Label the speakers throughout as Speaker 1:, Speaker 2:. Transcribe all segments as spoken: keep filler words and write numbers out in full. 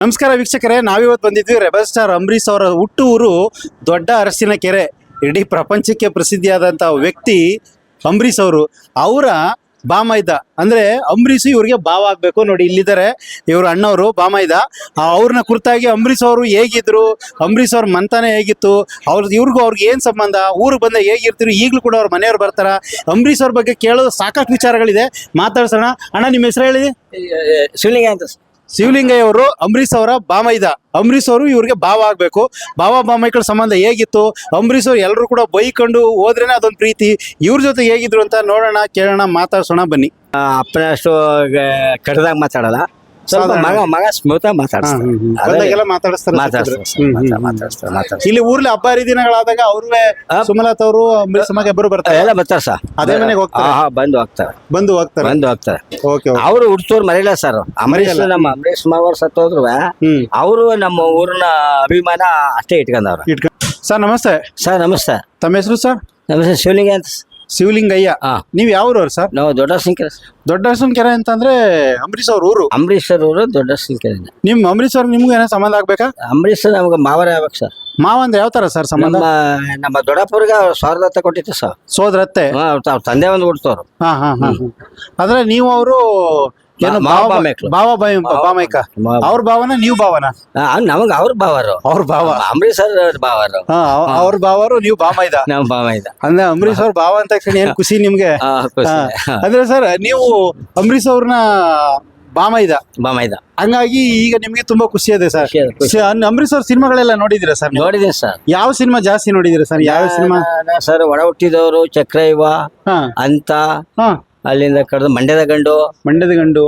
Speaker 1: ನಮಸ್ಕಾರ ವೀಕ್ಷಕರೇ, ನಾವಿವತ್ತು ಬಂದಿದ್ವಿ ರೆಬಲ್ ಸ್ಟಾರ್ ಅಂಬರೀಶ್ ಅವರ ಹುಟ್ಟು ಊರು ದೊಡ್ಡ ಅರಸಿನಕೆರೆ. ಇಡೀ ಪ್ರಪಂಚಕ್ಕೆ ಪ್ರಸಿದ್ಧಿಯಾದಂಥ ವ್ಯಕ್ತಿ ಅಂಬರೀಶ್ ಅವರು. ಅವರ ಬಾಮೈದ ಅಂದರೆ ಅಂಬರೀಷ್ ಇವ್ರಿಗೆ ಭಾವ ಆಗಬೇಕು. ನೋಡಿ ಇಲ್ಲಿದ್ದಾರೆ ಇವರು ಅಣ್ಣವರು ಬಾಮೈದ. ಅವ್ರನ್ನ ಕುರಿತಾಗಿ ಅಂಬರೀಷ್ ಅವರು ಹೇಗಿದ್ರು, ಅಂಬರೀಷ್ ಅವ್ರ ಮಂತಾನೆ ಹೇಗಿತ್ತು, ಅವ್ರ ಇವ್ರಿಗೂ ಅವ್ರಿಗೆ ಏನು ಸಂಬಂಧ, ಊರಿಗೆ ಬಂದ ಹೇಗಿರ್ತೀರಿ, ಈಗಲೂ ಕೂಡ ಅವ್ರ ಮನೆಯವ್ರು ಬರ್ತಾರ. ಅಂಬರೀಷ್ ಅವ್ರ ಬಗ್ಗೆ ಕೇಳೋದು ಸಾಕಷ್ಟು ವಿಚಾರಗಳಿದೆ, ಮಾತಾಡ್ಸೋಣ. ಅಣ್ಣ ನಿಮ್ಮ ಹೆಸರು ಹೇಳಿ.
Speaker 2: ಶಿವಲಿಂಗ ಅಂತ.
Speaker 1: ಶಿವಲಿಂಗಯ್ಯ ಅವರು ಅಂಬರೀಷ್ ಅವರ ಬಾಮೈದ. ಅಂಬರೀಷ್ ಅವರು ಇವ್ರಿಗೆ ಭಾವ ಆಗ್ಬೇಕು. ಭಾವ ಬಾಮೈಕಳ ಸಂಬಂಧ ಹೇಗಿತ್ತು, ಅಂಬರೀಷ್ ಅವ್ರು ಎಲ್ಲರೂ ಕೂಡ ಬೈಕೊಂಡು ಹೋದ್ರೇನೆ ಅದೊಂದು ಪ್ರೀತಿ. ಇವ್ರ ಜೊತೆ ಹೇಗಿದ್ರು ಅಂತ ನೋಡೋಣ, ಕೇಳೋಣ, ಮಾತಾಡ್ಸೋಣ ಬನ್ನಿ.
Speaker 2: ಅಪ್ಪನ ಅಷ್ಟು ಕಡ್ದಾಗ ಮಾತಾಡಲ್ಲ, ಸ್ವಲ್ಪ ಮಗ ಮಗ ಸ್ಮೂತ್ ಆಗಿ
Speaker 1: ಮಾತಾಡಿಸ್ತಾರೆ.
Speaker 2: ಮಾತಾಡ್ತಾರೆ.
Speaker 1: ಇಲ್ಲಿ ಊರ್ಲಿ ಹಬ್ಬ ಹರಿದಿನಗಳಾದಾಗ ಅವ್ರೇ ಸುಮಲತಾ ಅವರು ಅಂಬರೀಷ್ ಮಗ ಇಬ್ಬರು ಬರ್ತಾರೆ,
Speaker 2: ಎಲ್ಲ ಬರ್ತಾರೆ ಸರ್.
Speaker 1: ಅದೇ ಮನೆಗೆ ಹೋಗ್ತಾರೆ,
Speaker 2: ಬಂದು ಹೋಗ್ತಾರೆ
Speaker 1: ಬಂದು ಹೋಗ್ತಾರೆ
Speaker 2: ಬಂದು ಹೋಗ್ತಾರೆ
Speaker 1: ಓಕೆ.
Speaker 2: ಅವರು ಹುಡ್ಸೋರು ಮರಿಲ್ಲ ಸರ್. ಅಂಬರೀಷ್ ನಮ್ಮ ಅಂಬರೀಷ್ ಮಾವರು ಸತ್ತೋದ್ರು, ಅವರು ನಮ್ಮ ಊರಿನ ಅಭಿಮಾನ ಅಷ್ಟೇ ಇಟ್ಕೊಂಡವ್ರು.
Speaker 1: ಸರ್ ನಮಸ್ತೆ.
Speaker 2: ಸರ್ ನಮಸ್ತೆ.
Speaker 1: ತಮ್ಮ ಹೆಸರು ಸರ್?
Speaker 2: ನಮ್ಮ ಹೆಸರು ಶಿವಲಿಂಗ ಅಂತ.
Speaker 1: ಶಿವಲಿಂಗಯ್ಯ. ನೀವ್ ಯಾವ್ರವ್ರು ಸರ್?
Speaker 2: ನಾವು ದೊಡ್ಡ ಅರಸಿನಕೆರೆ.
Speaker 1: ದೊಡ್ಡ ಅರಸಿನಕೆರೆ ಅಂತಂದ್ರೆ ಅಂಬರೀಷ್ ಅವ್ರ ಊರು.
Speaker 2: ಅಂಬರೀಷ್ ಅವರು ದೊಡ್ಡ ಅರಸಿನಕೆರೆ.
Speaker 1: ನಿಮ್ ಅಂಬರೀಷ್ ಅವ್ರ ನಿಮ್ಗೆ ಏನೋ ಸಂಬಂಧ ಆಗ್ಬೇಕಾ?
Speaker 2: ಅಂಬರೀಷ್ ನಮ್ಗೆ ಮಾವರೇ ಆಗ್ಬೇಕು ಸರ್.
Speaker 1: ಮಾವ ಅಂದ್ರೆ ಯಾವ ತರ ಸರ್ ಸಂಬಂಧ?
Speaker 2: ನಮ್ಮ ದೊಡ್ಡಪ್ಪವ್ರಿಗೆ ಸಾವಿರದ ಹತ್ತ ಕೊಟ್ಟಿತ್ತು ಸರ್.
Speaker 1: ಸೋದರತ್ತೆ.
Speaker 2: ಅವ್ರ ತಂದೆ ಒಂದು ಹುಡ್ತವ್ರು.
Speaker 1: ಹಾ ಹಾ ಹಾ ಅಂದ್ರೆ ನೀವು ಅವರು ಏನು ಬಾವ ಬಾಮೈಕ ಅವ್ರ ಭಾವನ ನೀವು ಭಾವನ?
Speaker 2: ನಮಗ್ ಅವ್ರ ಭಾವರು.
Speaker 1: ಅವ್ರ ಭಾವ
Speaker 2: ಅಂಬರೀಷ್ ಅವ್ರ ಭಾವರು.
Speaker 1: ಅವ್ರ ಭಾವರು ನೀವು ಬಾಮೈದ.
Speaker 2: ನಾವು ಬಾಮೈದ
Speaker 1: ಅಂದ್ರೆ ಅಂಬರೀಷ್ ಅವ್ರ ಭಾವ ಅಂತ ತಕ್ಷಣ ಏನ್ ಖುಷಿ ನಿಮ್ಗೆ? ಅಂದ್ರೆ ಸರ್ ನೀವು ಅಂಬರೀಷ್ ಅವ್ರನ್ನ ಬಾಮೈದ
Speaker 2: ಬಾಮೈದ
Speaker 1: ಹಂಗಾಗಿ ಈಗ ನಿಮ್ಗೆ ತುಂಬಾ ಖುಷಿ ಇದೆ ಸರ್. ಅಂಬರೀಷ್ ಅವ್ರ ಸಿನಿಮಾಗಳೆಲ್ಲ ನೋಡಿದಿರಾ ಸರ್?
Speaker 2: ನೋಡಿದೀನಿ ಸರ್.
Speaker 1: ಯಾವ ಸಿನಿಮಾ ಜಾಸ್ತಿ ನೋಡಿದಿರಾ ಸರ್? ಯಾವ ಸಿನಿಮಾ
Speaker 2: ಸರ್? ಒಡ ಹುಟ್ಟಿದವರು, ಚಕ್ರಯುವ ಅಂತ, ಅಲ್ಲಿಂದ ಕಡ್ದು ಮಂಡ್ಯದ ಗಂಡು,
Speaker 1: ಮಂಡ್ಯದ ಗಂಡು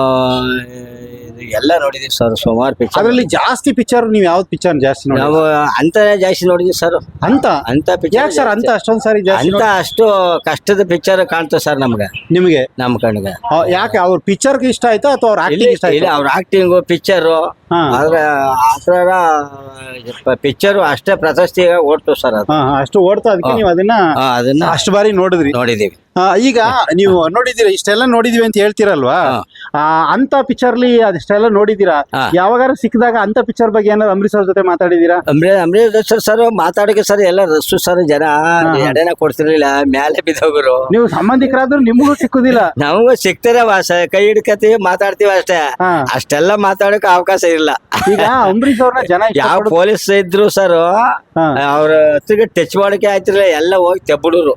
Speaker 2: ಎಲ್ಲ ನೋಡಿದೀವಿ ಸರ್. ಸುಮಾರು ಪಿಕ್ಚರ್.
Speaker 1: ಅದ್ರಲ್ಲಿ ಜಾಸ್ತಿ ಪಿಕ್ಚರ್ ನೀವು ಯಾವ್ದು ಪಿಕ್ಚರ್ ಜಾಸ್ತಿ ನೋಡಿ?
Speaker 2: ನಾವು ಅಂತ ಜಾಸ್ತಿ ನೋಡಿದೀವಿ ಸರ್. ಅಂತ ಅಂತ ಪಿಕ್ಚರ್
Speaker 1: ಸರ್ ಅಂತ ಅಷ್ಟೊಂದ್ ಸಾರಿ
Speaker 2: ಅಂತ ಅಷ್ಟು ಕಷ್ಟದ ಪಿಕ್ಚರ್ ಕಾಣ್ತದೆ ಸರ್ ನಮ್ಗೆ. ನಿಮ್ಗೆ? ನಮ್ಮ ಕಣ್ಣಿಗೆ
Speaker 1: ಯಾಕೆ ಅವ್ರ ಪಿಕ್ಚರ್ ಇಷ್ಟ ಆಯ್ತಾ ಅಥವಾ ಅವ್ರ ಆಕ್ಟಿಂಗ್ ಇಷ್ಟ ಆಯ್ತಾ?
Speaker 2: ಅವ್ರ ಆಕ್ಟಿಂಗು ಪಿಕ್ಚರು ಆದ್ರೆ ಆತರ ಪಿಕ್ಚರ್ ಅಷ್ಟೇ ಪ್ರಶಸ್ತಿ ಓಡ್ತು ಸರ್. ಅದು
Speaker 1: ಅಷ್ಟು ಓಡ್ತಾ, ಅದಕ್ಕೆ ನೀವು ಅದನ್ನ ಅದನ್ನ ಅಷ್ಟು ಬಾರಿ ನೋಡಿದ್ರಿ?
Speaker 2: ನೋಡಿದೀವಿ.
Speaker 1: ಈಗ ನೀವು ನೋಡಿದೀರಾ, ಇಷ್ಟೆಲ್ಲ ನೋಡಿದೀವಿ ಅಂತ ಹೇಳ್ತೀರಲ್ವಾ, ಅಂತ ಪಿಕ್ಚರ್ಲಿ ಅದಿಷ್ಟೆಲ್ಲ ನೋಡಿದೀರಾ? ಯಾವಾಗಾರ ಸಿಕ್ಕಿದಾಗ ಅಂತ ಪಿಕ್ಚರ್ ಬಗ್ಗೆ ಏನಾದ್ರು ಅಂಬರೀಷ್ ಅವ್ರ ಜೊತೆ ಮಾತಾಡಿದೀರಾ?
Speaker 2: ಅಂಬರೀಷ್ ಅಂಬರೀಷ್ ಸರ್ ಮಾತಾಡಕ್ಕೆ ಸರ್ ಎಲ್ಲ ರಸ್ತು ಸರ್. ಜನ ಎಡೆನ ಕೊಡ್ತಿರ್ಲಿಲ್ಲ, ಮ್ಯಾಲೆ ಬಿದ್ದೋಗರು.
Speaker 1: ನೀವು ಸಂಬಂಧಿಕರಾದ್ರೂ ನಿಮಗೂ ಸಿಕ್ಕುದಿಲ್ಲ?
Speaker 2: ನಮಗೂ ಸಿಕ್ತಾರೆ, ಕೈ ಹಿಡ್ಕತೀವಿ, ಮಾತಾಡ್ತೀವಿ ಅಷ್ಟೇ. ಅಷ್ಟೆಲ್ಲ ಮಾತಾಡಕ್ ಅವಕಾಶ ಇಲ್ಲ. ಈಗ
Speaker 1: ಅಂಬರೀಷ್ ಅವ್ರನ್ನ ಜನ
Speaker 2: ಯಾವ ಪೊಲೀಸ್ ಇದ್ರು ಸರ್, ಅವ್ರ ಹತ್ತಿಗೆ ಟಚ್ ಮಾಡಕ್ಕೆ ಆಯ್ತಿರ್ಲಿಲ್ಲ, ಎಲ್ಲ ಹೋಗಿ ತೆಬ್ಬುಡರು.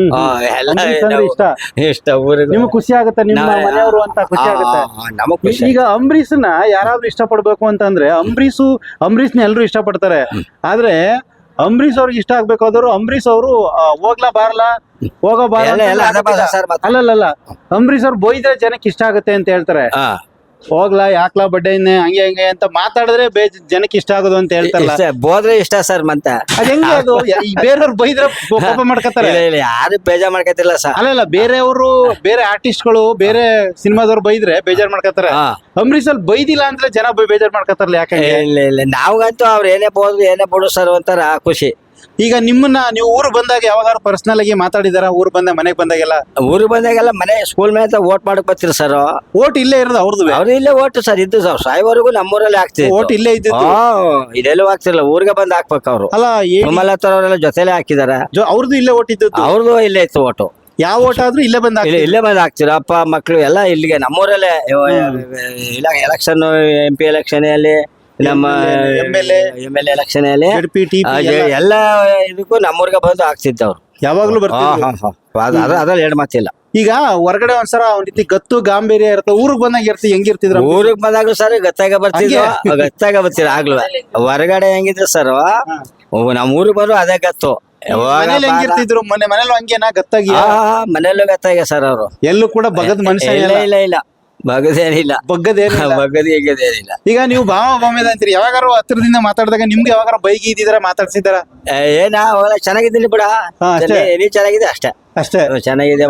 Speaker 1: ಇಷ್ಟ ಊರಿಗೆ ನಿಮ್ಗೆ ಖುಷಿ ಆಗುತ್ತೆ, ನಿಮ್ಮ ಮನೆಯವರು ಅಂತ ಖುಷಿ ಆಗುತ್ತೆ. ಈಗ ಅಂಬರೀಷ್ನ ಯಾರಾದ್ರೂ ಇಷ್ಟಪಡ್ಬೇಕು ಅಂತಂದ್ರೆ ಅಂಬರೀಷ್ ಅಂಬರೀಷ್ನ ಎಲ್ರು ಇಷ್ಟಪಡ್ತಾರೆ. ಆದ್ರೆ ಅಂಬರೀಷ್ ಅವ್ರಿಗೆ ಇಷ್ಟ ಆಗ್ಬೇಕಾದ್ರು ಅಂಬರೀಷ್ ಅವರು ಹೋಗ್ಲಾ ಬಾರ್ಲಾ ಹೋಗೋ ಬಾರ ಅಲ್ಲಲ್ಲ, ಅಂಬರೀಷ್ ಅವ್ರು ಬೈದ್ರೆ ಜನಕ್ಕೆ ಇಷ್ಟ ಆಗುತ್ತೆ ಅಂತ ಹೇಳ್ತಾರೆ. ಹೋಗ್ಲಾ ಯಾಕ್ಲಾ ಬಡ್ಡೆ ಹಂಗೆ ಹಂಗೆ ಅಂತ ಮಾತಾಡಿದ್ರೆ ಜನಕ್ಕೆ ಇಷ್ಟ ಆಗೋದು ಅಂತ ಹೇಳ್ತಾರಲ್ಲ,
Speaker 2: ಬೋದ್ರೆ ಇಷ್ಟ ಸರ್. ಮತ್ತೆ
Speaker 1: ಅದ್ ಹೆಂಗೆ ಅದು? ಬೇರೆಯವ್ರು ಬೈದ್ರೆ ಕೋಪ ಮಾಡ್ಕೊತಾರೆ,
Speaker 2: ಯಾರು ಬೇಜಾರ್ ಮಾಡ್ಕೊತಿಲ್ಲ ಸರ್.
Speaker 1: ಅಲ್ಲಲ್ಲ, ಬೇರೆಯವರು ಬೇರೆ ಆರ್ಟಿಸ್ಟ್ಗಳು ಬೇರೆ ಸಿನಿಮಾದವ್ರು ಬೈದ್ರೆ ಬೇಜಾರ್ ಮಾಡ್ಕೊತಾರೆ. ಅಂಬರೀಷ್ ಅಲ್ಲಿ ಬೈದಿಲ್ಲ ಅಂದ್ರೆ ಜನ ಬೇಜಾರ್ ಮಾಡ್ಕೊತಾರಲ್ಲ, ಯಾಕೆ?
Speaker 2: ಇಲ್ಲ ಇಲ್ಲ, ನಾವ್ಗಂತೂ ಅವ್ರು ಏನೇ ಬೋದ್ರು ಏನೇ ಬಿಡು ಸರ್ ಒಂಥರ ಖುಷಿ.
Speaker 1: ಈಗ ನಿಮ್ಮನ್ನ ನೀವು ಊರು ಬಂದಾಗ ಯಾವಾಗಾರು ಪರ್ಸನಲ್ ಆಗಿ ಮಾತಾಡಿದಾರ? ಊರು ಬಂದಾಗ ಮನೆಗೆ ಬಂದಾಗೆಲ್ಲ?
Speaker 2: ಊರಿಗೆ ಬಂದಾಗೆಲ್ಲ ಮನೆ ಸ್ಕೂಲ್ ಮೇಲೆ ಓಟ್ ಮಾಡಕ್ ಬರ್ತೀರಿ ಸರ್.
Speaker 1: ಓಟ್ ಇಲ್ಲೇ ಇರೋದು ಅವ್ರದ್ದು?
Speaker 2: ಅವ್ರು ಇಲ್ಲೇ ಓಟ್ ಸರ್ ಇದ್ದು ಸರ್. ಸಾಯಿವರೆಗೂ ನಮ್ಮೂರಲ್ಲಿ ಹಾಕ್ತಿವಿ.
Speaker 1: ಓಟ್ ಇಲ್ಲೇ ಇದ್ದು
Speaker 2: ಇದೆಲ್ಲೂ ಹಾಕ್ತಿರಲ್ಲ, ಊರಿಗೆ ಬಂದ್ ಹಾಕ್ಬೇಕು. ಅವ್ರು
Speaker 1: ಅಲ್ಲ
Speaker 2: ಸುಮಲತಾ ಅವರೆಲ್ಲ ಜೊತೆಲೆ ಹಾಕಿದಾರೆ.
Speaker 1: ಅವ್ರದ್ದು ಇಲ್ಲೇ ಓಟ್ ಇದ್ದು?
Speaker 2: ಅವ್ರದ್ದು ಇಲ್ಲೇ ಇತ್ತು ಓಟು.
Speaker 1: ಯಾವ ಓಟ್ ಆದ್ರೂ ಇಲ್ಲೇ ಬಂದ
Speaker 2: ಇಲ್ಲೇ ಬಂದ್ ಹಾಕ್ತಿರ. ಅಪ್ಪ ಮಕ್ಳು ಎಲ್ಲ ಇಲ್ಲಿಗೆ ನಮ್ಮೂರಲ್ಲೇ. ಎಲೆಕ್ಷನ್, ಎಂ ಪಿ ಎಲೆಕ್ಷನ್ ಅಲ್ಲಿ, ನಮ್ಮ ಎಂ ಎಲ್ ಎ ಎಲೆಕ್ಷನ್ ಅಲ್ಲಿ ಎಲ್ಲ ಇದಕ್ಕೂ ನಮ್ಮೂರ್ಗೆ ಬಂದು ಆಗ್ತಿದ್ದವ್ರು ಯಾವಾಗ್ಲೂ ಬರ್ತಾರೆ. ಅದ್ರಲ್ಲಿ ಎರಡು ಮಾತಿಲ್ಲ.
Speaker 1: ಈಗ ಹೊರಗಡೆ ಒಂದ್ಸರ ಒಂದ್ ರೀತಿ ಗತ್ತು ಗಾಂಭೀರ್ಯ ಇರುತ್ತೆ, ಊರಿಗೆ ಬಂದಾಗ ಇರ್ತಿ ಹೆಂಗಿರ್ತಿದ್ರು?
Speaker 2: ಊರಿಗೆ ಬಂದಾಗ್ಲೂ ಸರ್ ಗತ್ತಾಗ ಬರ್ತಿದ್ವಿ, ಗತ್ತಾಗ ಬರ್ತೀರ ಆಗ್ಲೂ. ಹೊರಗಡೆ ಹೆಂಗಿದ್ರು ಸರ್, ನಮ್ ಊರಿಗೆ ಬಂದ್ರು ಅದೇ ಗತ್ತು.
Speaker 1: ಹೆಂಗಿರ್ತಿದ್ರು? ಮನೆ ಮನೇಲಿ ಹಂಗೇನಾ ಗತ್ತಾಗಿ?
Speaker 2: ಮನೆಯಲ್ಲೂ ಗತ್ತಾಗ ಸರ್. ಅವರು ಎಲ್ಲೂ ಕೂಡ ಬಗದ್ ಮನುಷ್ಯ ಇಲ್ಲ ಇಲ್ಲ ಇಲ್ಲ ಬಗದೇನಿಲ್ಲ, ಬಗ್ಗದೇನಿಲ್ಲ, ಬಗ್ಗದ ಹೇಗದೇನಿಲ್ಲ.
Speaker 1: ಈಗ ನೀವು ಭಾವ ಭಾವ್ಯದ ಅಂತೀರಿ, ಯಾವಾಗಾರು ಹತ್ರದಿಂದ ಮಾತಾಡಿದಾಗ ನಿಮ್ಗೆ ಯಾವಾಗಾರ ಬೈಗಿ ಇದ್ದಿದ್ರ ಮಾತಾಡ್ಸಿದಾರ?
Speaker 2: ಏನ ಚೆನ್ನಾಗಿದ್ದೀನಿ ಬಿಡ, ನೀ ಚೆನ್ನಾಗಿದೆ ಅಷ್ಟೇ ಅಷ್ಟೇ. ಚೆನ್ನಾಗಿದೆ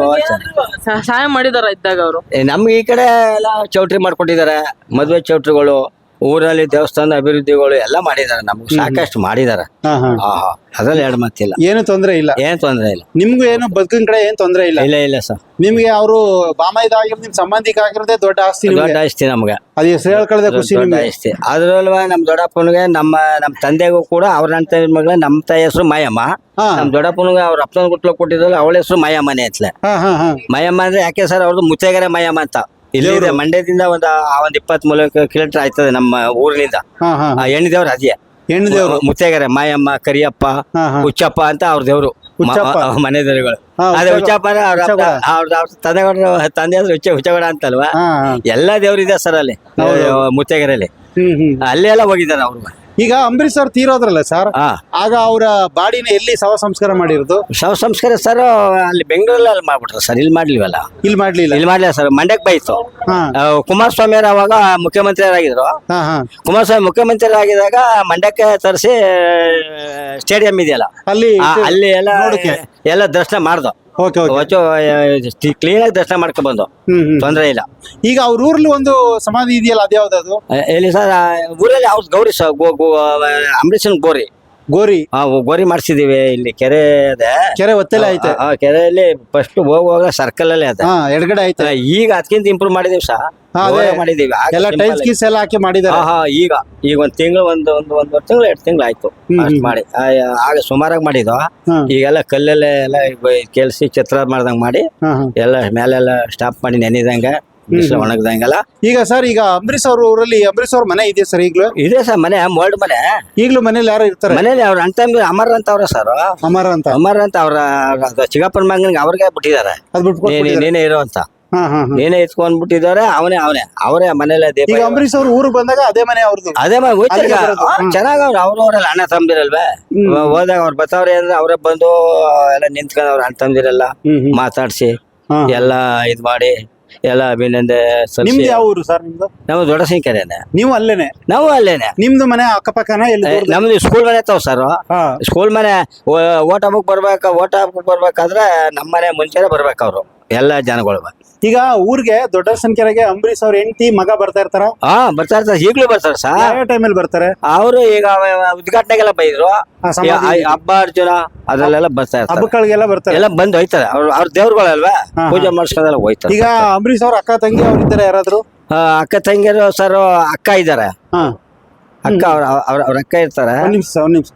Speaker 3: ಸಹಾಯ ಮಾಡಿದಾರ ಇದ್ದಾಗ ಅವರು.
Speaker 2: ನಮ್ಗೆ ಈ ಕಡೆ ಎಲ್ಲ ಚೌಟ್ರಿ ಮಾಡ್ಕೊಟ್ಟಿದ್ದಾರೆ, ಮದ್ವೆ ಚೌಟ್ರಿಗಳು ಊರಲ್ಲಿ ದೇವಸ್ಥಾನ ಅಭಿವೃದ್ಧಿಗಳು ಎಲ್ಲ ಮಾಡಿದಾರೆ, ನಮ್ಗೆ ಸಾಕಷ್ಟು ಮಾಡಿದಾರೆ.
Speaker 1: ಹಾ ಹಾ
Speaker 2: ಆಹಾ ಅದ್ರಲ್ಲಿ ಎರಡು ಮಾತಿಲ್ಲ,
Speaker 1: ಏನು ತೊಂದ್ರೆ ಇಲ್ಲ,
Speaker 2: ಏನ್ ತೊಂದ್ರೆ ಇಲ್ಲ.
Speaker 1: ನಿಮ್ಗೂ ಏನು ಬದುಕಿನ ಕಡೆ ಏನ್ ತೊಂದ್ರೆ ಇಲ್ಲ.
Speaker 2: ಇಲ್ಲ ಇಲ್ಲ ಸರ್,
Speaker 1: ನಿಮ್ಗೆ ಅವರು ಬಾಮೈದ ಆಗಿರೋದು ನಿಮ್ ಸಂಬಂಧಿಕ ಆಗಿರೋದೇ ದೊಡ್ಡ ಆಸ್ತಿ ನಿಮ್ಗೆ.
Speaker 2: ದೊಡ್ಡ ಆಸ್ತಿ ನಮ್ಗೆ,
Speaker 1: ಅದು ಹೆಸರು ಹೇಳ್ಕೊಳ್ಳದೆ ಖುಷಿ
Speaker 2: ದೊಡ್ಡ
Speaker 1: ನಿಮ್ಗೆ.
Speaker 2: ಆಸ್ತಿ. ಅದ್ರಲ್ವ ನಮ್ ದೊಡ್ಡಪ್ಪನಿಗೆ ನಮ್ಮ ನಮ್ ತಂದೆಗೂ ಕೂಡ ಅವ್ರ ಅಣ್ಣ ಮಗಳ ನಮ್ಮ ತಾಯಿ ಹೆಸರು ಮಾಯಮ್ಮ.
Speaker 1: ಹಾ
Speaker 2: ನಮ್ ದೊಡ್ಡಪ್ಪನಿಗೆ ಅವ್ರ ಅಪ್ಪನ ಗುಟ್ಲ ಕೊಟ್ಟಿದ್ರಲ್ಲ ಅವಳ ಹೆಸರು ಮಾಯಮ್ಮನೆ ಅಂತಲೇ.
Speaker 1: ಹಾ ಹಾ ಹಾ
Speaker 2: ಮಾಯಮ್ಮ ಅಂದ್ರೆ ಯಾಕೆ ಸರ್, ಅವ್ರದ್ದು ಮುತ್ತೇಗೆರೆ ಮಾಯಮ್ಮ ಅಂತ. ಇಲ್ಲಿದೆ ಮಂಡ್ಯದಿಂದ ಒಂದ್ ಒಂದ್ ಇಪ್ಪತ್ತ್ ಮೂಲ ಕಿಲೋಮೀಟರ್ ಆಯ್ತದೆ ನಮ್ಮ ಊರಿನಿಂದ.
Speaker 1: ಹಾ ಹಾ
Speaker 2: ಆ ಹೆಣ್ಣು ದೇವ್ರು ಅದೇ
Speaker 1: ಹೆಣ್ಣು ದೇವ್ರು.
Speaker 2: ಮುತ್ತೇಗೆರೆ ಮಾಯಮ್ಮ, ಕರಿಯಪ್ಪ,
Speaker 1: ಹಾ ಹಾ
Speaker 2: ಹುಚ್ಚಪ್ಪ ಅಂತ ಅವ್ರ ದೇವ್ರು,
Speaker 1: ಹುಚ್ಚಪ್ಪ.
Speaker 2: ಮ- ಮನೆ ದೇವರುಗಳು.
Speaker 1: ಹಾ,
Speaker 2: ಅದೇ
Speaker 1: ಹುಚ್ಚ-
Speaker 2: ಹುಚ್ಚಪ್ಪ ಅಂದ್ರೆ ಅವ್ರ
Speaker 1: ಹುಚ್ಚಗೌಡ.
Speaker 2: ಅವ್ರ ಅವ್ರ ತಂದೆಗೌಡ ತಂದೆ ಅಂದ್ರೆ ಹುಚ್ಚ ಹುಚ್ಚಗೌಡ ಅಂತಲ್ವಾ.
Speaker 1: ಹಾ ಹಾ
Speaker 2: ಎಲ್ಲಾ ದೇವ್ರು ಇದೆ ಸರ್ ಅಲ್ಲಿ ಮುತ್ತೇಗೆರೆಯಲ್ಲಿ.
Speaker 1: ಹ್ಮ್ ಹ್ಮ್
Speaker 2: ಅಲ್ಲೇ ಎಲ್ಲ ಹೋಗಿದ್ದಾರೆ ಅವ್ರು.
Speaker 1: ಈಗ ಅಂಬರೀಶ್ ಅವ್ರು ತೀರೋದ್ರಲ್ಲ ಸರ್,
Speaker 2: ಹಾ
Speaker 1: ಆಗ ಅವರ ಬಾಡಿನ ಎಲ್ಲಿ ಶವ ಸಂಸ್ಕಾರ ಮಾಡಿರೋದು?
Speaker 2: ಶವ ಸಂಸ್ಕಾರ ಸರ್ ಅಲ್ಲಿ ಬೆಂಗಳೂರಲ್ಲಿ ಅಲ್ಲಿ ಮಾಡ್ಬಿಟ್ರು ಸರ್, ಇಲ್ಲಿ ಮಾಡ್ಲಿವಲ್ಲ.
Speaker 1: ಇಲ್ಲಿ ಮಾಡ್ಲಿಲ್ಲ.
Speaker 2: ಇಲ್ಲಿ ಮಾಡ್ಲಿಲ್ಲ ಸರ್, ಮಂಡ್ಯಕ್ಕೆ ಬೈತು.
Speaker 1: ಹಾ
Speaker 2: ಆ, ಕುಮಾರಸ್ವಾಮಿ ಅವರು ಅವಾಗ ಮುಖ್ಯಮಂತ್ರಿಯರಾಗಿದ್ರು.
Speaker 1: ಹಾ ಹಾ
Speaker 2: ಕುಮಾರಸ್ವಾಮಿ ಮುಖ್ಯಮಂತ್ರಿ ಆಗಿದಾಗ ಮಂಡ್ಯಕ್ಕೆ ತರಿಸಿ ಸ್ಟೇಡಿಯಂ ಇದೆಯಲ್ಲ
Speaker 1: ಅಲ್ಲಿ
Speaker 2: ಆ, ಅಲ್ಲಿ ಎಲ್ಲ
Speaker 1: ನೋಡಕ್ಕೆ.
Speaker 2: ಎಲ್ಲ ದರ್ಶನ ಮಾಡ್ದು.
Speaker 1: ಓಕೆ ಓಕೆ
Speaker 2: ಕ್ಲೀನ್ ಆಗಿ ದರ್ಶನ ಮಾಡ್ಕೊಂಡ್ ಬಂದು,
Speaker 1: ಹ್ಮ್ ಹ್ಮ್
Speaker 2: ತೊಂದ್ರೆ ಇಲ್ಲ.
Speaker 1: ಈಗ ಅವ್ರ ಊರ್ಲಿ ಒಂದು ಸಮಾಧಿ ಇದೆಯಲ್ಲ, ಅದ್ಯಾವ್ದದು?
Speaker 2: ಆ, ಎಲ್ಲಿ ಸರ್, ಆ, ಊರಲ್ಲಿ ಅವ್ರ ಗೌರಿ ಸ ಗೋ ಗೋ ಅಂಬರೀಷನ್ ಗೋರಿ
Speaker 1: ಗೋರಿ
Speaker 2: ಆ ಗೋರಿ ಮಾಡಿಸಿದೀವಿ. ಇಲ್ಲಿ ಕೆರೆ ಅದೇ
Speaker 1: ಕೆರೆ ಒತ್ತೆಲೆ ಐತೆ.
Speaker 2: ಆ ಕೆರೆಯಲ್ಲಿ ಫಸ್ಟ್ ಹೋಗುವಾಗ ಸರ್ಕಲ್ ಅಲ್ಲಿ ಅದ.
Speaker 1: ಹಾ ಎಡಗಡೆ ಐತೆ.
Speaker 2: ಆ, ಈಗ ಅದಕ್ಕಿಂತ ಇಂಪ್ರೂವ್ ಮಾಡಿದೀವಿ ಸರ್,
Speaker 1: ಹಾ, ಅದೇ.
Speaker 2: ಮಾಡಿದೀವಿ. ಆಗ
Speaker 1: ಎಲ್ಲ
Speaker 2: simple
Speaker 1: ಟೈಲ್ಸ್
Speaker 2: ಆಗಿ.
Speaker 1: ಗೀಸ್ ಎಲ್ಲ ಹಾಕಿ ಮಾಡಿದಾರೆ.
Speaker 2: ಆಹಾ, ಈಗ ಈಗ ಒಂದ್ ತಿಂಗಳು ಒಂದು ಒಂದು ಒಂದೂವರೆ ತಿಂಗಳು ಎರಡು ತಿಂಗಳು ಆಯ್ತು
Speaker 1: ಹ್ಮ್,
Speaker 2: ಅಷ್ಟ್
Speaker 1: ಹ್ಮ್.
Speaker 2: ಮಾಡಿ. ಆ, ಆಗ ಸುಮಾರಾಗಿ ಮಾಡಿದ್ವು.
Speaker 1: ಹ್ಮ್.
Speaker 2: ಈಗೆಲ್ಲ ಕಲ್ಲಲ್ಲೇ ಎಲ್ಲ ಕೆಲ್ಸಿ ಚಿತ್ರ ಮಾಡ್ದಂಗ್ ಮಾಡಿ
Speaker 1: ಹಾ ಹಾ
Speaker 2: ಎಲ್ಲ ಮೇಲೆಲ್ಲ ಸ್ಟಾಪ್ ಮಾಡಿ ನೆನೆದಂಗ ಬಿಸಿಲು ಒಣಗ್ದಂಗೆಲ್ಲ
Speaker 1: ಈಗ ಸರ್, ಈಗ ಅಂಬರೀಶ್ ಅವ್ರ ಊರಲ್ಲಿ ಅಂಬರೀಶ್ ಅವ್ರ ಮನೆ ಇದೆಯಾ ಸರ್ ಈಗ್ಲೂ?
Speaker 2: ಇದೆ ಸರ್ ಮನೆ, ಮೋಲ್ಡ್ ಮನೆ.
Speaker 1: ಈಗ್ಲೂ ಮನೇಲಿ ಯಾರು ಇರ್ತಾರೆ?
Speaker 2: ಮನೇಲಿ ಅವ್ರ ಅಣ್ಣ ಅಮರ್ ಅಂತ ಅವ್ರ ಸರ್,
Speaker 1: ಅಮರ ಅಂತ.
Speaker 2: ಅಮರ್ ಅಂತ ಅವ್ರ ಚಿಕ್ಕಪ್ಪನ ಮಗನಿಗೆ ಅವ್ರಿಗೆ ಬಿಟ್ಟಿದ್ದಾರೆ.
Speaker 1: ಅದ್ ಬಿಟ್ಕೊಟ್ಬಿಟ್ಟಿದ್ದಾರೆ.
Speaker 2: ನೀನೇ ನೀನೇ ಇರೋ ಅಂತ,
Speaker 1: ಹಾ ಹಾ ಹಾ
Speaker 2: ನೀನೇ ಇತ್ಕೊಂಡ್ ಬಿಟ್ಟಿದ್ದಾರೆ. ಅವನೇ ಅವನೇ ಅವರೇ ಮನೇಲೆ ದೀಪ.
Speaker 1: ಈಗ ಅಂಬರೀಶ್ ಅವ್ರ ಊರಿಗೆ ಬಂದಾಗ ಅದೇ ಮನೆ ಅವ್ರದ್ದು.
Speaker 2: ಅದೇ ಮಾಡಿ ಹೋಯ್ತು.
Speaker 1: ಅಲ್ಲಿಗೆ ಬರೋದು. ಹ್ಮ್.
Speaker 2: ಚೆನ್ನಾಗ ಅವ್ರು ಅವ್ರ ಅವರೆಲ್ಲ ಅಣ್ಣ ತಮ್ಮದಿರಲ್ವೇ.
Speaker 1: ಹ್ಮ್.
Speaker 2: ಹೋದಾಗ ಅವ್ರು ಬರ್ತಾವ್ರೆ ಅಂದ್ರೆ ಅವರೇ ಬಂದು ಎಲ್ಲ ನಿಂತ್ಕೊಂಡು ಅವ್ರ ಅಣ್ಣ ತಮ್ಮದಿರೆಲ್ಲ
Speaker 1: ಹ್ಮ್ ಹ್ಮ್
Speaker 2: ಮಾತಾಡ್ಸಿ
Speaker 1: ಹಾ.
Speaker 2: ಎಲ್ಲ ಇದ್ ಮಾಡಿ ಎಲ್ಲ ಅಭಿನಂದೆ ಸಲ್ಲಿಸಿ.
Speaker 1: ನಿಮ್ದು ಯಾವ ಊರು ಸರ್ ನಿಮ್ದು?
Speaker 2: ನಾವು ದೊಡ್ಡ ಸಂಖ್ಯೆನೆ,
Speaker 1: ನೀವು ಅಲ್ಲೇನೆ?
Speaker 2: ನಾವು ಅಲ್ಲೇನೆ.
Speaker 1: ನಿಮ್ದು ಮನೆ ಅಕ್ಕಪಕ್ಕನ ಎಲ್ಲಿ
Speaker 2: ಏ,
Speaker 1: ದೂರದಲ್ಲಿ?
Speaker 2: ನಮ್ದು ಸ್ಕೂಲ್ ಮನೆ ತಾವ್ ಸರ್.
Speaker 1: ಹಾ
Speaker 2: ಸ್ಕೂಲ್ ಮನೆ ಓಟ್ ಹಬ್ಬಕ್ ಬರ್ಬೇಕ ಓಟ್ ಹಬ್ಬಕ್ ಬರ್ಬೇಕಾದ್ರೆ ನಮ್ಮ ಮನೆ ಮುಂಚೆನೆ ಬರ್ಬೇಕು ಅವ್ರು ಎಲ್ಲ ಜನಗಳು.
Speaker 1: ಈಗ ಊರಿಗೆ ದೊಡ್ಡ ಸಂಖ್ಯೆಗೆ ಅಂಬರೀಶ್ ಅವ್ರ ಹೆಂಡತಿ ಮಗ ಬರ್ತಾ ಇರ್ತಾರ?
Speaker 2: ಹಾ ಬರ್ತಾ ಇರ್ತಾರೆ, ಈಗ್ಲೂ ಬರ್ತಾರೆ ಸರ್.
Speaker 1: ಯಾವ ಟೈಮಲ್ಲಿ ಬರ್ತಾರೆ?
Speaker 2: ಅವರು ಈಗ ಉದ್ಘಾಟನೆಗೆಲ್ಲ ಬೈದ್ರು,
Speaker 1: ಆ ಸಮಾಧಿ
Speaker 2: ಈ ಹಬ್ಬ ಅರ್ಜುನ ಅದ್ರಲ್ಲೆಲ್ಲ ಬರ್ತಾ ಇರ್ತಾರೆ.
Speaker 1: ಹಬ್ಬಗಳಿಗೆಲ್ಲ ಬರ್ತಾರೆ.
Speaker 2: ಎಲ್ಲ ಬಂದು ಹೋಯ್ತಾರೆ ಅವ್ರ ಅವ್ರ ದೇವ್ರುಗಳಲ್ವಾ,
Speaker 1: ಹಾ, ಹಾ.
Speaker 2: ಪೂಜೆ ಮಾಡಿಸ್ಕೊಂಡೆಲ್ಲ ಹೋಯ್ತಾರೆ.
Speaker 1: ಈಗ ಅಂಬರೀಶ್ ಅವ್ರ ಅಕ್ಕ ತಂಗಿ ಅವ್ರ ಇದ್ದಾರೆ ಯಾರಾದ್ರು?
Speaker 2: ಆ, ಅಕ್ಕ ತಂಗಿಯರು ಸರ್, ಅಕ್ಕ ಇದ್ದಾರೆ.
Speaker 1: ಹಾ
Speaker 2: ಅಕ್ಕ ಅವ್ರ ಅವ್ರ ಅವ್ರ ಅಕ್ಕ ಇರ್ತಾರೆ.
Speaker 1: ಒಂದ್ ನಿಮಿಷ ಒಂದ್ ನಿಮಿಷ.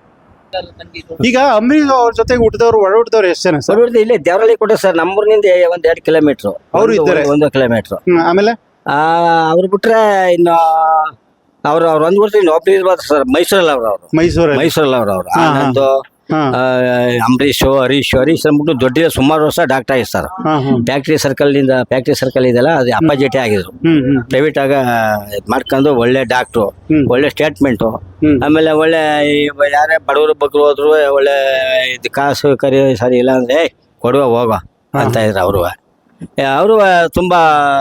Speaker 1: ಈಗ ಅಂಬರೀಶ್ ಅವ್ರ ಜೊತೆಗೆ ಹುಟ್ಟಿದವ್ರು ಒಡ ಹುಟ್ಟಿದವ್ರು ಎಷ್ಟು ಜನ ಸರ್?
Speaker 2: ಸರ್ ಇಲ್ಲಿ ದೇವರಳ್ಳಿ ಕೊಟ್ಟರು ಸರ್, ನಮ್ಮೂರಿನಿಂದ ಒಂದ್ ಎರಡು ಕಿಲೋಮೀಟರ್.
Speaker 1: ಅವ್ರು ಇದ್ದಾರೆ?
Speaker 2: ಒಂದು ಕಿಲೋಮೀಟರ್.
Speaker 1: ಹ್ಮ್, ಆಮೇಲೆ
Speaker 2: ಆ ಅವ್ರು ಬಿಟ್ರೆ ಇನ್ನು ಅವ್ರು ಅವ್ರು ಒಂದ್ ಬಿಟ್ರೆ ಇನ್ನು ಒಬ್ರು ಇರ್ಬೋದು ಸರ್, ಮೈಸೂರಲ್ಲಿ ಅವ್ರು ಅವ್ರು
Speaker 1: ಮೈಸೂರಲ್ಲಿ.
Speaker 2: ಮೈಸೂರಲ್ಲಿ ಅವ್ರು ಅವ್ರು
Speaker 1: ಹಾ, ಹಾ.
Speaker 2: ಆನಂದ್,
Speaker 1: ಹಾ
Speaker 2: ಆ, ಅಂಬರೀಶ್, ಹರೀಶ್ ಹರೀಶ್ ಅಂದ್ಬಿಟ್ಟು ದೊಡ್ಡ ಸುಮಾರು ವರ್ಷ ಡಾಕ್ಟರ್ ಆಗಿರ್ತಾರೆ.
Speaker 1: ಹಾ ಹಾ
Speaker 2: ಫ್ಯಾಕ್ಟ್ರಿ ಸರ್ಕಲ್ ನಿಂದ ಫ್ಯಾಕ್ಟ್ರಿ ಸರ್ಕಲ್ ಇದೆಲ್ಲ ಅದು ಅಪ್ಪಾಜಿಟಿ ಆಗಿದ್ರು.
Speaker 1: ಹ್ಮ್ ಹ್ಮ್
Speaker 2: ಪ್ರೈವೇಟ್ ಆಗ ಇದ್ ಮಾಡ್ಕೊಂಡು ಒಳ್ಳೆ ಡಾಕ್ಟ್ರು,
Speaker 1: ಹ್ಮ್.
Speaker 2: ಒಳ್ಳೆ ಸ್ಟೇಟ್ಮೆಂಟು.
Speaker 1: ಹ್ಮ್.
Speaker 2: ಆಮೇಲೆ ಒಳ್ಳೆ ಈ ಯಾರೇ ಬಡವರು ಬಗ್ರು ಹೋದ್ರು ಒಳ್ಳೆ ಇದು ಕಾಸು ಕರಿ ಸರಿ ಇಲ್ಲ ಅಂದ್ರೆ "ಏಯ್, ಕೊಡುವ ಹೋಗೋ ಅಂತ ಇದ್ರು ಅವರು. ಅವರು ತುಂಬಾ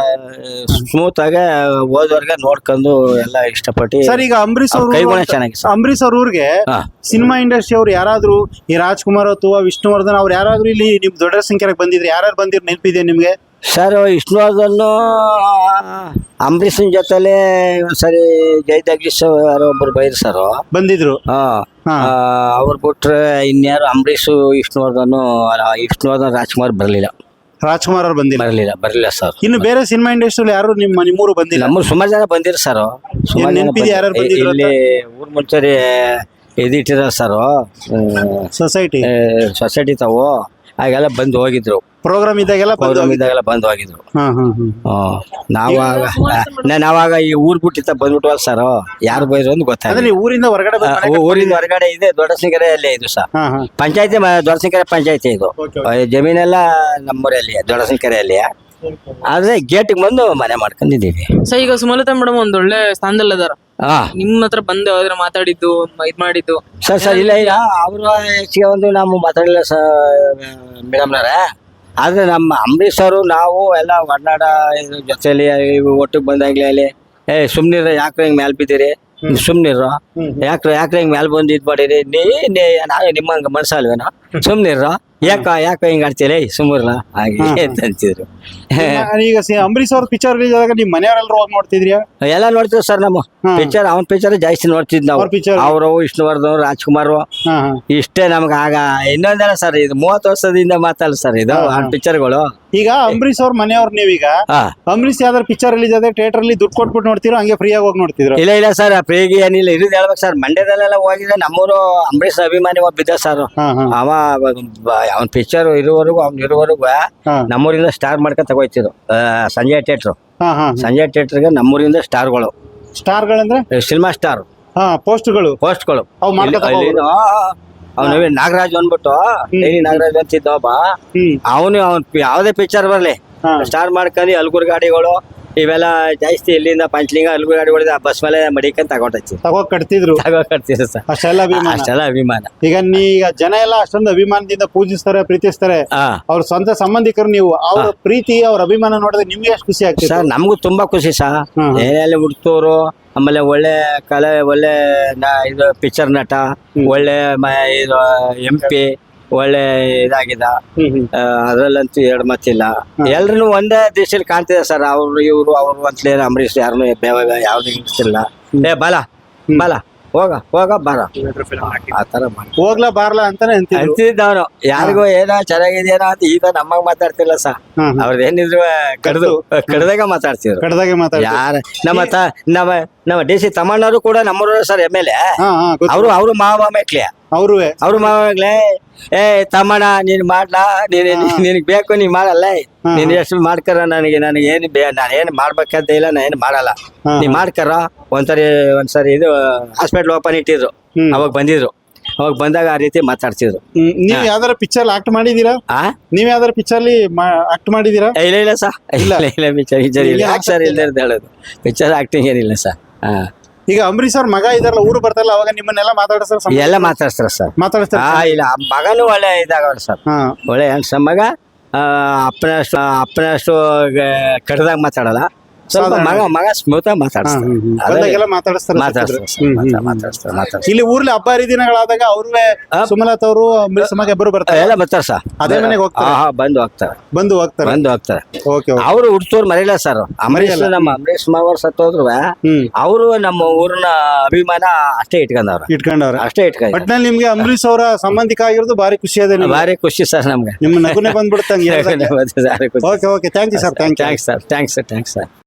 Speaker 2: ಸ್ಮೂತ್ ಆಗಿ ಓದೋರ್ಗೆ ನೋಡ್ಕೊಂಡು ಎಲ್ಲ ಇಷ್ಟಪಟ್ಟು.
Speaker 1: ಸರ್, ಈಗ ಅಂಬರೀಶ್
Speaker 2: ಅವ್ರ
Speaker 1: ಅವ್ರ
Speaker 2: ಕೈಗುಣ ಚೆನ್ನಾಗಿ ಸರ್.
Speaker 1: ಅಂಬರೀಶ್ ಅವ್ರ ಊರಿಗೆ
Speaker 2: ಹಾ.
Speaker 1: ಸಿನಿಮಾ ಇಂಡಸ್ಟ್ರಿ ಅವ್ರು ಯಾರಾದ್ರೂ, ಈ ರಾಜ್ಕುಮಾರ್ ಅಥವಾ ವಿಷ್ಣುವರ್ಧನ್ ಅವ್ರು ಯಾರಾದ್ರೂ ಇಲ್ಲಿ ನಿಮ್ ದೊಡ್ಡ ಸಂಖ್ಯೆಗೆ ಬಂದಿದ್ರೆ ಯಾರು ಬಂದಿರ್ ನೆನಪಿದೆ ನಿಮ್ಗೆ?
Speaker 2: ಸರ್ ವಿಷ್ಣುವರ್ಧನ್ ಅಂಬರೀಷನ್ ಜೊತೆಲೆ ಒಂದ್ಸರಿ ಜಯದಗೀಶ್ ಯಾರೋ ಒಬ್ರು ಬೈದ್ರು ಸರ್.
Speaker 1: ಬಂದಿದ್ರು.
Speaker 2: ಹಾ
Speaker 1: ಹಾ.
Speaker 2: ಅವ್ರು ಬಿಟ್ರೆ ಇನ್ಯಾರು ಅಂಬರೀಷ್ ವಿಷ್ಣುವರ್ಧನ್ ಅಲ್ಲ, ವಿಷ್ಣುವರ್ಧನ್ ರಾಜ್ಕುಮಾರ್ ಬರ್ಲಿಲ್ಲ
Speaker 1: ರಾಜ್ಕುಮಾರ್ ಅವ್ರು ಬಂದಿಲ್ಲ.
Speaker 2: ಬರ್ಲಿಲ್ಲ ಬರ್ಲಿಲ್ಲ ಸರ್.
Speaker 1: ಇನ್ನು ಬೇರೆ ಸಿನಿಮಾ ಇಂಡಸ್ಟ್ರಿ ಯಾರು ನಿಮ್ಮ ನಿಮ್ಮೂರು ಬಂದಿಲ್ಲ?
Speaker 2: ನಮ್ಮ ಸುಮಾರು ಜನ ಬಂದಿರ ಸರ್. ಸುಮಾರು ಜನ
Speaker 1: ನೆನ್ಪಿದೆ ಯಾರ್ಯಾರು
Speaker 2: ಬಂದಿದ್ರು.
Speaker 1: ಬಂದಿದ್ರು
Speaker 2: ಇಲ್ಲಿ ಊರ್ ಮುಂಚೆ ಇದಿಟ್ಟಿರ ಸರ್,
Speaker 1: ಸೊಸೈಟಿ
Speaker 2: ಸೊಸೈಟಿ ತಾವು ಹಾಗೆಲ್ಲ ಬಂದು ಹೋಗಿದ್ರು.
Speaker 1: ಪ್ರೋಗ್ರಾಮ್ ಇದ್ದಾಗೆಲ್ಲ ಬಂದು
Speaker 2: ಪ್ರೋಗ್ರಾಮ್
Speaker 1: ಹೋಗಿದ್ರು.
Speaker 2: ಇದ್ದಾಗೆಲ್ಲ ಬಂದು ಹೋಗಿದ್ರು.
Speaker 1: ಹಾ ಹಾ ಹಾ
Speaker 2: ಹ್ಮ್. ನಾವಾಗ ನಾವಾಗ ಈ ಊರ್ ಬಿಟ್ಟಿತ್ತ ಬಂದ್ಬಿಟ್ವಲ್ಲ ಸರ್, ಯಾರು ಬೈದ್ರು ಅಂತ
Speaker 1: ಅಂದ್ರೆ
Speaker 2: ಗೊತ್ತಾಗ.
Speaker 1: ನೀವು ಊರಿಂದ ಹೊರಗಡೆ ಬಂದ್ ಮನೆ ಕಟ್ಕೊಂಡಿದ್ದೀರಿ?
Speaker 2: ಊರಿನ ಹೊರಗಡೆ ಇದೆ, ದೊಡ್ಡ ಸಿಂಗರೆ ಅಲ್ಲೇ ಇದು ಸರ್.
Speaker 1: ಹಾ ಹಾ
Speaker 2: ಪಂಚಾಯತಿ ದೊಡ್ಡ ಸಿಂಗರೆ ಪಂಚಾಯತಿ ಇದು.
Speaker 1: ಓಕೆ,
Speaker 2: ಆ, ಜಮೀನೆಲ್ಲ ನಮ್ಮೂರಲ್ಲಿ ದೊಡ್ಡ ಸಿಂಗರೆಯಲ್ಲಿ. ಆದ್ರೆ ಗೇಟಿಗೆ ಬಂದು ಮನೆ ಮಾಡ್ಕೊಂಡಿದ್ದೀವಿ.
Speaker 3: ಸೊ ಈಗ ಸುಮಲತಾ ಮೇಡಮ್ ಒಂದ್ ಒಳ್ಳೆ ಸ್ಥಾನದಲ್ಲಿ ಅದಾರ.
Speaker 2: ಹಾ
Speaker 3: ನಿಮ್ ಹತ್ರ ಬಂದು ಯಾವ್ದಾರ ಮಾತಾಡಿದ್ದು ಮ- ಇದ್ ಮಾಡಿದ್ದು?
Speaker 2: ಸರ್ ಸರ್ ಇಲ್ಲ ಇಲ್ಲ ಅವರು ಹೆಚ್ಚಿಗೆ ಒಂದು ನಾವು ಮಾತಾಡಿಲ್ಲ ಸರ್ ಮೇಡಮ್ನವ್ರೆ. ಆದ್ರೆ ನಮ್ಮ ಅಂಬರೀಶ್ ಅವರು ನಾವು ಎಲ್ಲ ಒಡನಾಡ ಇದ್ರ ಜೊತೆಲಿ ಒಟ್ಟಿಗೆ ಬಂದಾಗ್ಲೇ ಅಲ್ಲಿ ಏ ಸುಮ್ನಿರ ಯಾಕ್ರೆ ಹಿಂಗ್ ಮ್ಯಾಲ್ ಬಿದ್ದೀರಿ, ಸುಮ್ನಿರ ಯಾಕ್ರೆ ಯಾಕ್ರೆ ಹಿಂಗ್ ಮ್ಯಾಲ್ ಬಂದು ಇದ್ ಮಾಡಿರಿ, ನೀ ನೀ- ನಾವೇ ನಿಮ್ಮಂಗ ಮನ್ಸಲ್ವೇನೋ, ಸುಮ್ನಿರ ಯಾಕೋ ಯಾಕೋ ಹಿಂಗ್ ಆಡ್ತೀರಿ ಸುಮ್ಮರ್ಲ ಹಾಗೆ ಅಂತ ಅಂತಿದ್ರು
Speaker 1: ಈಗ ಸಿ- ಅಂಬರೀಶ್ ಅವ್ರ ಪಿಕ್ಚರ್ ರಿಲೀಸ್ ಆದಾಗ ನಿಮ್ ಮನೆಯವರೆಲ್ಲರೂ ಹೋಗಿ ನೋಡ್ತಿದ್ರಿಯಾ?
Speaker 2: ಎಲ್ಲ ನೋಡ್ತೀವಿ ಸರ್ ನಮ್ಮ
Speaker 1: ಹಾ.
Speaker 2: ಪಿಕ್ಚರ್ ಅವ್ನ ಪಿಕ್ಚರ್ ಜಾಸ್ತಿ ನೋಡ್ತಿದ್ ನಾವು
Speaker 1: ಅವ್ರ picture?
Speaker 2: ಅವರು ವಿಷ್ಣುವರ್ಧನ್ ರಾಜ್ಕುಮಾರ್
Speaker 1: ಹಾ ಹಾ
Speaker 2: ಇಷ್ಟೇ ನಮ್ಗೆ ಆಗ ಇನ್ನೊಂದಲ್ಲ ಸರ್ ಇದು ಮೂವತ್ತು ವರ್ಷದಿಂದ ಮಾತಲ್ಲ ಸರ್ ಇದು
Speaker 1: ಹಾ,
Speaker 2: ಆ
Speaker 1: ಹಾ.
Speaker 2: ಪಿಕ್ಚರ್ಗಳು
Speaker 1: ಈಗ ಅಂಬರೀಶ್ ಅವ್ರ ಮನೆಯವ್ರು ನೀವೀಗ
Speaker 2: ಹಾ
Speaker 1: ಅಂಬರೀಶ್ ಯಾವ್ದಾರು ಪಿಕ್ಚರ್ ರಿಲೀಸ್ ಆದ್ರೆ ಥಿಯೇಟರ್ ಅಲ್ಲಿ ದುಡ್ಡು ಕೊಟ್ಬಿಟ್ಟು ನೋಡ್ತಿರೋ ಹಂಗೆ ಫ್ರೀ ಆಗಿ ಹೋಗಿ ನೋಡ್ತಿದ್ರು?
Speaker 2: ಇಲ್ಲ ಇಲ್ಲ ಸರ್ ಪ್ರೀಗಿ ಏನಿಲ್ಲ ಇರೋದು ಹೇಳ್ಬೇಕು ಸರ್ ಮಂಡ್ಯದಲ್ಲೆಲ್ಲ ಹೋಗಿದ್ರೆ ನಮ್ಮೂರು ಅಂಬರೀಷ್ ಅಭಿಮಾನಿ ಒಬ್ಬ ಬಿದ್ದ ಸರ್
Speaker 1: ಹಾ ಹಾ
Speaker 2: ಅವ ಅವನ ಪಿಕ್ಚರ್ ಇರುವವರೆಗೂ ಅವ್ನ ಇರುವವರೆಗೂ
Speaker 1: ಹಾ
Speaker 2: ನಮ್ಮೂರಿಂದ ಸ್ಟಾರ್ ಮಾಡ್ಕೊಂಡ್ ತಗೋಯ್ತಿದ್ರು ಆ, ಸಂಜಯ್ ಥಿಯೇಟ್ರು
Speaker 1: ಹಾ ಹಾ
Speaker 2: ಸಂಜಯ್ ಥಿಯೇಟ್ರಿಗೆ ನಮ್ಮೂರಿಂದ ಸ್ಟಾರ್ಗಳು
Speaker 1: ಸ್ಟಾರ್ಗಳಂದ್ರೆ
Speaker 2: ಸಿನಿಮಾ ಸ್ಟಾರ್
Speaker 1: ಹಾ ಪೋಸ್ಟ್ಗಳು
Speaker 2: ಪೋಸ್ಟ್ಗಳು
Speaker 1: ಅವು ಮಾಡ್ಕೊತ
Speaker 2: ಅವನು ನಾಗರಾಜ್ ಅಂದ್ಬಿಟ್ಟು ಡೈಲಿ ನಾಗರಾಜ್ ಅಂತಿದ್ದ ಒಬ್ಬ
Speaker 1: ಹ್ಮ್
Speaker 2: ಅವನು ಅವ್ನ್ ಯಾವ್ದೇ ಪಿಕ್ಚರ್ ಬರ್ಲಿ
Speaker 1: ಹಾ
Speaker 2: ಸ್ಟಾರ್ ಮಾಡ್ಕೊಂಡು ಹಲ್ಗುರ್ ಗಾಡಿಗಳು ಇವೆಲ್ಲ ಜಾಸ್ತಿ ಇಲ್ಲಿಂದ ಪಂಚಲಿಂಗ ಹಲ್ಗುರ್ ಗಾಡಿಗಳು ಬಸ್ ಮೇಲೆ ಮಡಿಕೊಂಡ್ ತಗೊಂಡಚ್ಚಿ
Speaker 1: ತಗೋ ಕಟ್ತಿದ್ರು
Speaker 2: ತಗೋಕರ್ತೀರ ಸರ್
Speaker 1: ಅಷ್ಟೆಲ್ಲ ಅಭಿಮಾನ.
Speaker 2: ಅಷ್ಟೆಲ್ಲ ಅಭಿಮಾನ
Speaker 1: ಈಗ ನೀ ಈಗ ಜನ ಎಲ್ಲ ಅಷ್ಟೊಂದು ಅಭಿಮಾನದಿಂದ ಪೂಜಿಸ್ತಾರೆ ಪ್ರೀತಿಸ್ತಾರೆ,
Speaker 2: ಹಾ
Speaker 1: ಅವ್ರ ಸ್ವಂತ ಸಂಬಂಧಿಕರು ನೀವು, ಅವ್ರ ಪ್ರೀತಿ ಅವ್ರ ಅಭಿಮಾನ ನೋಡಿದ್ರೆ ನಿಮ್ಗೆ ಎಷ್ಟು ಖುಷಿ ಆಗ್ತದೆ?
Speaker 2: ಸರ್ ನಮಗೂ ತುಂಬಾ ಖುಷಿ ಸರ್
Speaker 1: ಹ್ಮ್.
Speaker 2: ಏನೆಲ್ಲ ಹುಡ್ತೋರು ಆಮೇಲೆ ಒಳ್ಳೆ ಕಲೆ ಒಳ್ಳೆ ನ- ಇದು ಪಿಕ್ಚರ್ ನಟ ಒಳ್ಳೆ ಮ- ಇದು ಎಂ ಪಿ ಒಳ್ಳೆ ಇದಾಗಿದ
Speaker 1: ಹ್ಮ್ ಹ್ಮ್
Speaker 2: ಆ, ಅದ್ರಲ್ಲಂತೂ ಎರಡು ಮತ್ತಿಲ್ಲ ಎಲ್ರು ಒಂದೇ ದೇಶದಲ್ಲಿ ಕಾಣ್ತಿದೆ ಸರ್ ಅವ್ರು ಇವ್ರು ಅವ್ರು ಅಂತಲೇ ಅಂಬರೀಷ್ ಯಾರನ್ನು ಯಾವ್ದು ಇರ್ತಿಲ್ಲ ಏ ಬಲ ಬಲ ಹೋಗ ಹೋಗ ಬರ ಆತರ ಮಾಡಿ
Speaker 1: ಹೋಗ್ಲಾ ಬಾರ್ಲಾ ಅಂತಾನೆ ಅಂತಿದ್ರು.
Speaker 2: ಅಂತಿದ್ದವನು ಯಾರಿಗೂ ಏನೋ ಚೆನ್ನಾಗಿದೆಯೇನೋ ಅಂತ ಈಗ ನಮ್ಮಗ್ ಮಾತಾಡ್ತಿಲ್ಲ ಸರ್
Speaker 1: ಹಾ, ಹಾ.
Speaker 2: ಅವ್ರದ್ದು ಏನಿದ್ರು ಕಡ್ದು ಕಡ್ದಾಗ ಮಾತಾಡ್ತಿದ್ರು
Speaker 1: ಕಡ್ದಾಗೆ ಮಾತಾಡ.
Speaker 2: ಯಾರ ನಮ್ಮ ತ ನಮ್ಮ ನಮ್ಮ ಡಿ ಸಿ ತಮ್ಮಣ್ಣವರು ಕೂಡ ನಮ್ಮೂರ ಸರ್ ಎಮ್ ಎಲ್ ಎ
Speaker 1: ಹಾ ಹಾ ಗೊತ್ತು.
Speaker 2: ಅವರು ಅವರು ಮಾವ ಮೇಕ್ಲೆ
Speaker 1: ಅವ್ರುವೆ
Speaker 2: ಅವ್ರು ಮಾವ ಮೇಕ್ಲೆ ಏ ತಮ್ಮಣ್ಣ ನೀನ್ ಮಾಡ್ಲಾ ನೀನ್ ನಿನಗ್ ಬೇಕು ನೀನ್ ಮಾಡಲ್ಲ
Speaker 1: ಹಾ,
Speaker 2: ನೀನ್ ಎಷ್ಟು ಮಾಡ್ಕರ ನನಗೆ ನನಗೆ ಏನು ಬೇ ನಾನು ಏನು ಮಾಡ್ಬೇಕಂತ ಇಲ್ಲ ನಾನು ಏನು ಮಾಡಲ್ಲ
Speaker 1: ಹಾ,
Speaker 2: ನೀ ಮಾಡ್ಕರ ಒಂದ್ಸರಿ ಒಂದ್ಸರಿ ಇದು ಹಾಸ್ಪಿಟ್ಲ್ ಓಪನ್ ಇಟ್ಟಿದ್ರು
Speaker 1: ಹ್ಮ್.
Speaker 2: ಅವಾಗ ಬಂದಿದ್ರು ಅವಾಗ ಬಂದಾಗ ಆ ರೀತಿ ಮಾತಾಡ್ತಿದ್ರು
Speaker 1: ಹ್ಮ್, ನೀವ್ ಯಾವ್ದಾರ ಪಿಕ್ಚರ್ ಆಕ್ಟ್ ಮಾಡಿದೀರಾ?
Speaker 2: ಆ
Speaker 1: ನೀವ್ ಯಾವ್ದಾರ ಪಿಕ್ಚರ್ ಅಲ್ಲಿ ಆಕ್ಟ್ ಮಾಡಿದೀರಾ?
Speaker 2: ಏ, ಇಲ್ಲ ಇಲ್ಲ ಸರ್
Speaker 1: ಇಲ್ಲ.
Speaker 2: ಇಲ್ಲ ಇಲ್ಲ ಪಿಕ್ಚರ್ ಪಿಕ್ಚರ್ ಇಲ್ಲ
Speaker 1: ಈಗ
Speaker 2: ಯಾಕೆ ಸರ್ ಇಲ್ದೇ ಇರೋದು ಹೇಳೋದು ಪಿಕ್ಚರ್ ಆಕ್ಟಿಂಗ್ ಏನಿಲ್ಲ ಸರ್ ಹಾ
Speaker 1: ಈಗ ಅಂಬರೀಶ್ ಅವ್ರ ಮಗ ಇದಾರಲ್ಲ, ಊರು ಬರ್ತಾರಲ್ಲ, ಅವಾಗ ನಿಮ್ಮನ್ನೆಲ್ಲ ಮಾತಾಡಿಸ್ತಾರ?
Speaker 2: ಎಲ್ಲ ಮಾತಾಡ್ತಾರ ಸರ್
Speaker 1: ಮಾತಾಡಿಸ್ತಾರ?
Speaker 2: ಹಾ ಇಲ್ಲ ಆ ಮಗನೂ ಒಳ್ಳೆ ಇದಾಗವ್ರ ಸರ್
Speaker 1: ಹಾ
Speaker 2: ಒಳ್ಳೆ ಹೆಣ್ಸ ಮಗ ಆ, ಅಪ್ಪನಷ್ಟು ಅಪ್ಪನಷ್ಟು ಕಡ್ದಾಗ ಮಾತಾಡಲ್ಲ ಸ್ವಲ್ಪ ಮಗ ಮಗ ಸ್ಮೂತ್ ಆಗಿ ಮಾತಾಡ್ಸ್ತಾರೆ
Speaker 1: ಬಂದಾಗೆಲ್ಲ ಮಾತಾಡಿಸ್ತಾರೆ.
Speaker 2: ಮಾತಾಡ್ತಾರೆ
Speaker 1: ಹ್ಮ್,
Speaker 2: ಸರ್,
Speaker 1: ಹ್ಮ್,
Speaker 2: ಮಾತಾ-
Speaker 1: ಹ್ಮ್.
Speaker 2: ಮಾತಾಡ್ತಾರೆ ಮಾತಾಡ್ತಾರೆ
Speaker 1: ಇಲ್ಲಿ ಊರ್ಲಿ ಹಬ್ಬ ಹರಿದಿನಗಳಾದಾಗ ಅವ್ರುವೆ
Speaker 2: ಆ.
Speaker 1: ಸುಮಲತಾ ಅವರು ಅಂಬರೀಶ್ ಮಗ ಇಬ್ಬರು ಬರ್ತಾರೆ,
Speaker 2: ಎಲ್ಲ ಬರ್ತಾರೆ ಸರ್
Speaker 1: ಅದೇ ಮನೆಗೆ ಹೋಗ್ತಾರೆ?
Speaker 2: ಹಾ ಹಾ ಬಂದು ಹೋಗ್ತಾರೆ
Speaker 1: ಬಂದು ಹೋಗ್ತಾರೆ.
Speaker 2: ಬಂದು ಹೋಗ್ತಾರೆ
Speaker 1: ಓಕೆ ಓಕೆ.
Speaker 2: ಅವರು ಹುಡ್ತೋರ್ ಮರಿಲ್ಲ ಸರ್ ಅಂಬರೀಶ್
Speaker 1: ಮರೆಯಲ್ಲ.
Speaker 2: ನಮ್ಮ ಅಂಬರೀಶ್ ಮಾವರ್ ಸತ್ತೋದ್ರು
Speaker 1: ಹ್ಮ್
Speaker 2: ಅವರು ನಮ್ಮ ಊರಿನ ಅಭಿಮಾನ ಅಷ್ಟೇ ಇಟ್ಕೊಂಡವ್ರ
Speaker 1: ಇಟ್ಕೊಂಡವ್ರೆ.
Speaker 2: ಅಷ್ಟೇ ಇಟ್ಕೊಂಡ
Speaker 1: ಒಟ್ನಲ್ಲಿ ನಿಮ್ಗೆ ಅಂಬರೀಶ್ ಅವರ ಸಂಬಂಧಿಕ ಆಗಿರೋದು ಭಾರಿ ಖುಷಿ ಅದೇ ನಿಮ್ಗೆ?
Speaker 2: ಭಾರಿ ಖುಷಿ ಸರ್ ನಮ್ಗೆ
Speaker 1: ನಿಮ್ಮ ನಗುನೆ ಬಂದ್ಬಿಡುತ್ತಂಗೆ.
Speaker 2: ಭಾರಿ ಖುಷಿ.
Speaker 1: Okay okay thank you sir, thank you.
Speaker 2: Thanks sir thanks sir thanks sir